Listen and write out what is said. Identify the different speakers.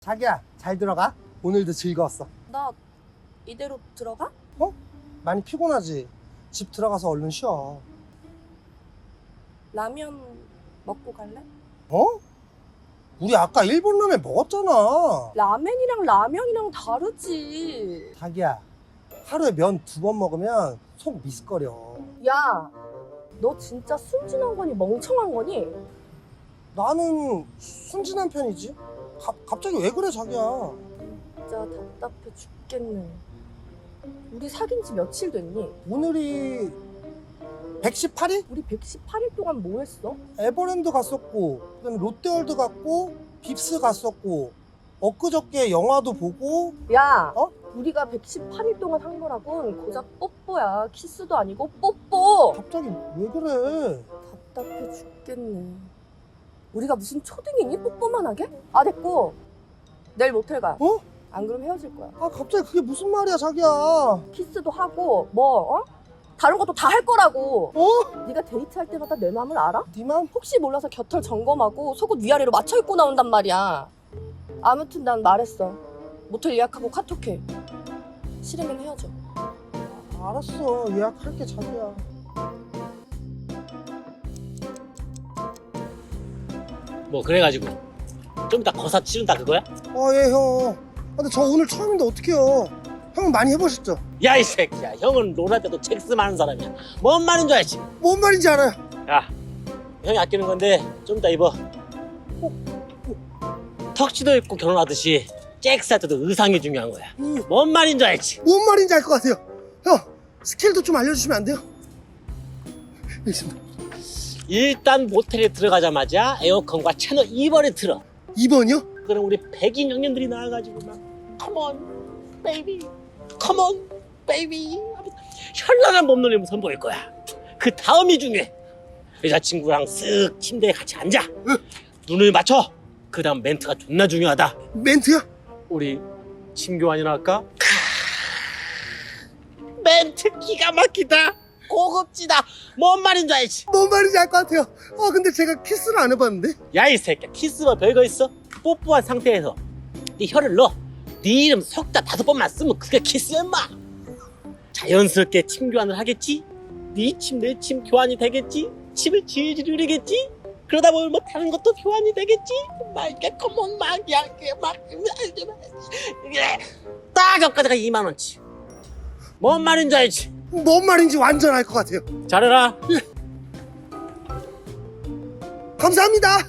Speaker 1: 자기야, 잘 들어가. 오늘도 즐거웠어.
Speaker 2: 나 이대로 들어가?
Speaker 1: 어? 많이 피곤하지? 집 들어가서 얼른 쉬어.
Speaker 2: 라면 먹고 갈래?
Speaker 1: 어? 우리 아까 일본 라면 먹었잖아.
Speaker 2: 라멘이랑 라면이랑 다르지.
Speaker 1: 자기야, 하루에 면 2번 먹으면 속 미스거려.
Speaker 2: 야, 너 진짜 순진한 거니 멍청한 거니?
Speaker 1: 나는 순진한 편이지. 갑자기 왜 그래, 자기야?
Speaker 2: 진짜 답답해 죽겠네. 우리 사귄 지 며칠 됐니?
Speaker 1: 오늘이 118일?
Speaker 2: 우리 118일 동안 뭐 했어?
Speaker 1: 에버랜드 갔었고, 그다음에 롯데월드 갔고, 빕스 갔었고, 엊그저께 영화도 보고.
Speaker 2: 야,
Speaker 1: 어?
Speaker 2: 우리가 118일 동안 한 거라곤 고작 뽀뽀야. 키스도 아니고 뽀뽀.
Speaker 1: 갑자기 왜 그래?
Speaker 2: 답답해 죽겠네. 우리가 무슨 초등이니? 뽀뽀만 하게? 아, 됐고. 내일 모텔 가.
Speaker 1: 어?
Speaker 2: 안 그럼 헤어질 거야.
Speaker 1: 아, 갑자기 그게 무슨 말이야, 자기야?
Speaker 2: 키스도 하고 다른 것도 다 할 거라고.
Speaker 1: 어?
Speaker 2: 네가 데이트할 때마다 내 맘을 알아?
Speaker 1: 네 맘?
Speaker 2: 혹시 몰라서 곁털 점검하고 속옷 위아래로 맞춰 입고 나온단 말이야. 아무튼 난 말했어. 모텔 예약하고 카톡해. 싫으면 헤어져.
Speaker 1: 알았어, 예약할게, 자기야.
Speaker 3: 뭐 그래가지고 좀 이따 거사 치른다 그거야?
Speaker 1: 아, 예, 형. 근데 저 오늘 처음인데 어떡해요? 형은 많이 해보셨죠?
Speaker 3: 야 이 새끼야, 형은 롤할 때도 잭스 많은 사람이야. 뭔 말인 줄 알지?
Speaker 1: 뭔 말인지 알아요.
Speaker 3: 야, 형이 아끼는 건데 좀 이따 입어. 턱시도 입고 결혼하듯이 잭스 할 때도 의상이 중요한 거야. 뭔 말인 줄 알지?
Speaker 1: 뭔 말인지 알 것 같아요. 형, 스킬도 좀 알려주시면 안 돼요? 알겠습니다.
Speaker 3: 일단 모텔에 들어가자마자 에어컨과 채널 2번에 틀어.
Speaker 1: 2번이요?
Speaker 3: 그럼 우리 백인 형님들이 나와가지고 막 컴온 베이비 컴온 베이비 현란한 몸놀림을 선보일 거야. 그 다음이 중요해. 여자친구랑 쓱 침대에 같이 앉아. 눈을 맞춰. 그 다음 멘트가 존나 중요하다.
Speaker 1: 멘트요?
Speaker 3: 우리 침교환이나 할까? 멘트 기가 막히다. 고급지다. 뭔 말인 줄 알지?
Speaker 1: 뭔 말인지 알 것 같아요. 근데 제가 키스를 안 해봤는데?
Speaker 3: 야 이 새끼야, 키스가 별거 있어? 뽀뽀한 상태에서 네 혀를 넣어. 네 이름 석자 5번만 쓰면 그게 키스야 인마. 자연스럽게 침 교환을 하겠지? 네 침 내 침 교환이 되겠지? 침을 질질 흘리겠지? 그러다 보면 뭐 다른 것도 교환이 되겠지? 말게 컴온 막야 딱 여기까지가 2만원치. 뭔 말인지 알지?
Speaker 1: 뭔 말인지 완전 알 것 같아요.
Speaker 3: 잘해라.
Speaker 1: 감사합니다.